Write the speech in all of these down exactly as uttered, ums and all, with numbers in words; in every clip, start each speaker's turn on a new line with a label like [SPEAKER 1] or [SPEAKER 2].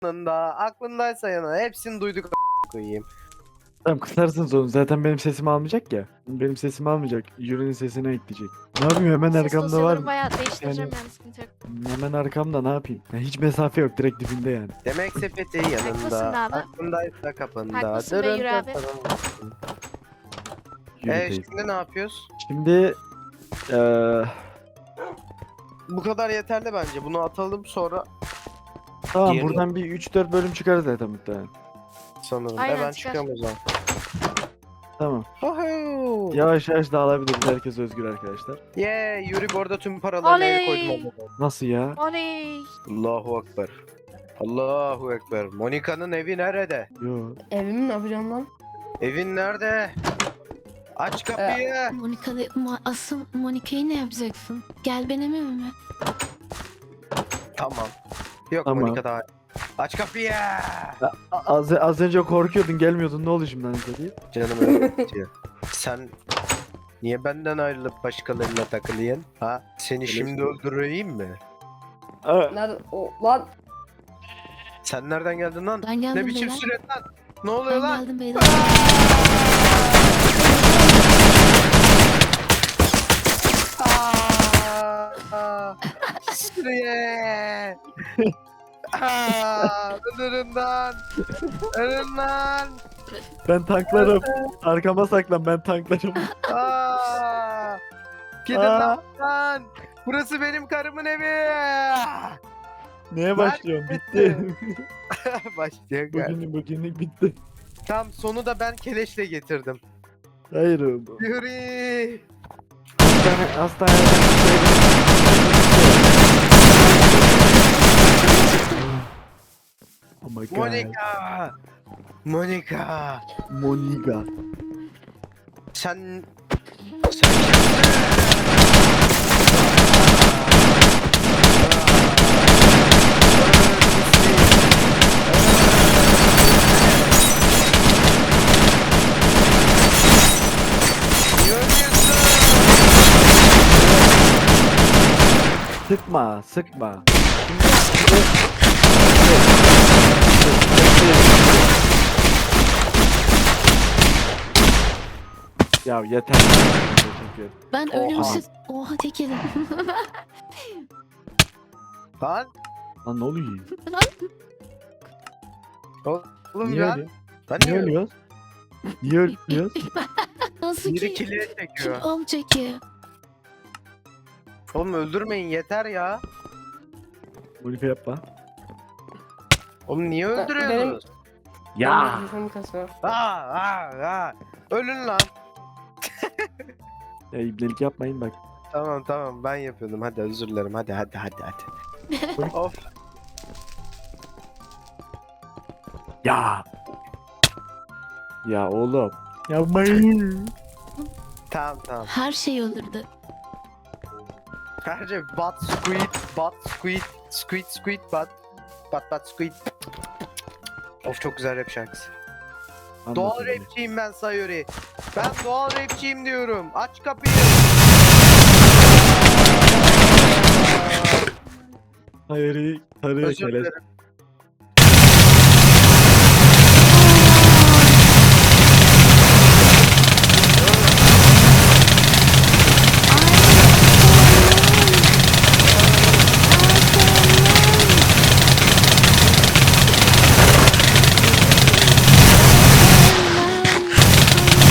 [SPEAKER 1] yanında, aklındaysa yana hepsini duyduk a- koyayım.
[SPEAKER 2] Tamam kısarsın onu. Zaten benim sesimi almayacak ya. Benim sesimi almayacak. Yuri'nin sesini ekleyecek. Ne yapayım hemen
[SPEAKER 3] Ses
[SPEAKER 2] arkamda var
[SPEAKER 3] dosyalarımı
[SPEAKER 2] mı?
[SPEAKER 3] bayağı değiştireceğim
[SPEAKER 2] Yani-
[SPEAKER 3] yani sıkıntı yok.
[SPEAKER 2] Hemen arkamda ne yapayım? Ya hiç mesafe yok direkt dibinde yani.
[SPEAKER 1] Demek sepeti
[SPEAKER 3] Haklısın
[SPEAKER 1] yanında,
[SPEAKER 3] abi.
[SPEAKER 1] aklındaysa kapında.
[SPEAKER 3] Haklısın be
[SPEAKER 1] Dırın
[SPEAKER 3] Yuri
[SPEAKER 1] dırın
[SPEAKER 3] abi.
[SPEAKER 1] dırın.
[SPEAKER 2] Yuri
[SPEAKER 1] Ee,
[SPEAKER 2] teyze.
[SPEAKER 1] şimdi ne yapıyoruz?
[SPEAKER 2] Şimdi eee
[SPEAKER 1] Bu kadar yeterli bence. Bunu atalım sonra
[SPEAKER 2] tamam
[SPEAKER 1] Diğeri-
[SPEAKER 2] buradan bir üç dört bölüm çıkarız zaten muhtemelen.
[SPEAKER 1] sanırım.
[SPEAKER 3] Aynen,
[SPEAKER 1] e ben
[SPEAKER 3] çıkar.
[SPEAKER 1] çıkıyorum o zaman.
[SPEAKER 2] Tamam.
[SPEAKER 1] Oho!
[SPEAKER 2] Yavaş yavaş dağılabiliriz. Herkes özgür arkadaşlar.
[SPEAKER 1] Yeah, Yuri bu arada tüm paralarını el
[SPEAKER 3] Oley!
[SPEAKER 1] koydum.
[SPEAKER 2] Nasıl ya?
[SPEAKER 3] Oley.
[SPEAKER 1] Allahu Ekber. Allahu Ekber. Monika'nın evi nerede?
[SPEAKER 2] Yo.
[SPEAKER 4] Evimi ne yapacağım lan?
[SPEAKER 1] Evin nerede? Aç kapıyı.
[SPEAKER 5] Monika'da ma- asıl Monika'yı ne yapacaksın? Gel benim evime.
[SPEAKER 1] Tamam. Yok
[SPEAKER 2] Tamam.
[SPEAKER 1] Monika daha. Aç kapıyı.
[SPEAKER 2] A- Az, az önce korkuyordun gelmiyordun ne oldu şimdi anasını diye.
[SPEAKER 1] Canım öyle diyor. Sen niye benden ayrılıp başkalarına takılıyorsun? Ha? Seni şimdi öldüreyim mi?
[SPEAKER 4] Nerede? O lan.
[SPEAKER 1] Sen nereden geldin lan?
[SPEAKER 5] Ben geldim
[SPEAKER 1] Ne biçim
[SPEAKER 5] beyler.
[SPEAKER 1] süre lan? Ne oluyor
[SPEAKER 5] Ben
[SPEAKER 1] lan?
[SPEAKER 5] geldim beyler.
[SPEAKER 1] Aa! Sürüye! Aa! Ölürüm lan! Ölürüm lan!
[SPEAKER 2] Ben tanklarım. Arkama saklan ben tanklarım.
[SPEAKER 1] Aa! Gidin
[SPEAKER 2] Aa!
[SPEAKER 1] lan! Burası benim karımın evi!
[SPEAKER 2] Neye başlıyorum? Bitti.
[SPEAKER 1] Başlıyor galiba.
[SPEAKER 2] Bugünlük bugünlük bitti.
[SPEAKER 1] Tam sonu da ben keleşle getirdim.
[SPEAKER 2] Hayır oldu.
[SPEAKER 1] Yuri!
[SPEAKER 2] Hastane, hastaneden Oh my god.
[SPEAKER 1] Monika! Monika!
[SPEAKER 2] Monika.
[SPEAKER 1] Sen... Sen
[SPEAKER 2] Sıkma, sıkma. Ya yeter. Teşekkür.
[SPEAKER 5] Ben
[SPEAKER 1] Oha.
[SPEAKER 5] ölümsüz... Oha tek yedim.
[SPEAKER 1] Lan!
[SPEAKER 2] Lan ne oluyor?
[SPEAKER 1] Oğlum
[SPEAKER 2] Niye
[SPEAKER 1] ya!
[SPEAKER 2] ölüyor?
[SPEAKER 1] Lan
[SPEAKER 2] Niye ölüyoruz? Niye ölüyoruz?
[SPEAKER 5] Nasıl
[SPEAKER 1] Biri
[SPEAKER 5] ki?
[SPEAKER 1] kiliye
[SPEAKER 5] Kim
[SPEAKER 1] çekiyor.
[SPEAKER 5] olacak ki?
[SPEAKER 1] Oğlum öldürmeyin yeter ya.
[SPEAKER 2] Monika yapma.
[SPEAKER 1] Oğlum niye
[SPEAKER 4] Benim-
[SPEAKER 1] öldürüyorsunuz?
[SPEAKER 2] Ya.
[SPEAKER 4] Benim Monika'sı var.
[SPEAKER 1] Aa, aa, aa. Ölün lan.
[SPEAKER 2] Ya ibnelik yapmayın bak.
[SPEAKER 1] Tamam tamam ben yapıyordum. Hadi özür dilerim. Hadi hadi hadi hadi. Of.
[SPEAKER 2] Ya. Ya oğlum. Yapmayın.
[SPEAKER 1] Tamam tamam.
[SPEAKER 5] Her şey olurdu.
[SPEAKER 1] Her şey bat squid, bat squid, squid squid bat, bat bat squid. Of çok güzel rap şarkısı. Doğal
[SPEAKER 2] Anlatın beni.
[SPEAKER 1] rapçiyim ben Sayuri. Ben doğal rapçiyim diyorum. Aç kapıyı.
[SPEAKER 2] Hayır, sarıya
[SPEAKER 1] Özür
[SPEAKER 2] keleş.
[SPEAKER 1] dilerim.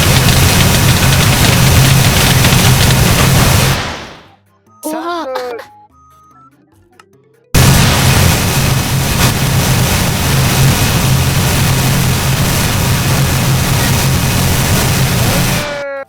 [SPEAKER 1] Sen
[SPEAKER 5] Oha.
[SPEAKER 1] de öl.